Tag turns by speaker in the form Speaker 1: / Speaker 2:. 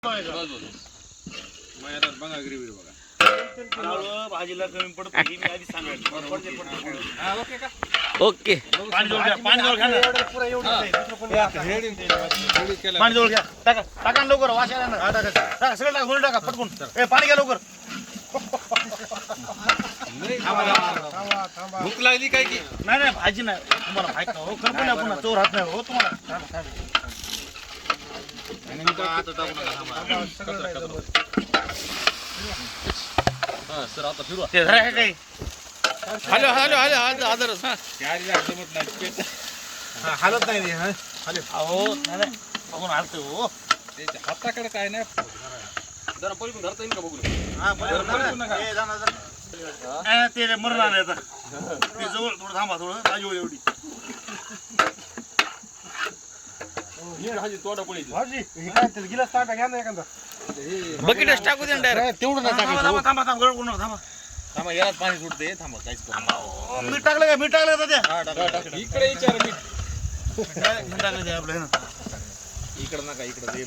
Speaker 1: बघा ग्रेव्ही बघा
Speaker 2: भाजीला कमी पडतो ही मी आधी सांगायचं
Speaker 3: ओके
Speaker 2: पाणी जवळ घ्या पाणी जवळ घ्या ना. पाणी जवळ घ्या टाका टाका ना लवकर वास यायला ना. टाका सगळं टाका गोल टाका पटकून पाणी घ्या लवकर.
Speaker 1: भूक लागली काय की
Speaker 2: नाही नाही भाजी नाही तुम्हाला माहित नाही हो खरं पण आपण चोर हात नाही हो तुम्हाला
Speaker 1: सर आता फिरू
Speaker 2: ते धरा हे काही
Speaker 3: हॅलो हॅलो हॅलो आदर
Speaker 1: हालत नाही
Speaker 2: अहो नाही नाही बघून हालतो हो
Speaker 1: हाताकडे काय नाही जरा पलीकडून धरता येईल का बघून
Speaker 2: ते मरण आले आता ते जवळ थोडं थांबा थोडं भाजी एवढी
Speaker 1: तोडा पळी
Speaker 2: गिलास टाका घ्या ना एखादा
Speaker 3: बकेटच टाकू दे डायरेक्ट
Speaker 2: तेवढं नाही थांबा थांबा थांबा गळ करू थांबा
Speaker 1: थांबा याला पाणी सुटते थांबा काहीच करू
Speaker 2: मीठ टाकलं का मीठ टाकलं का त्या
Speaker 1: इकडे विचार मी
Speaker 2: मीठ टाकलं ते आपलं
Speaker 1: इकडे नका इकडे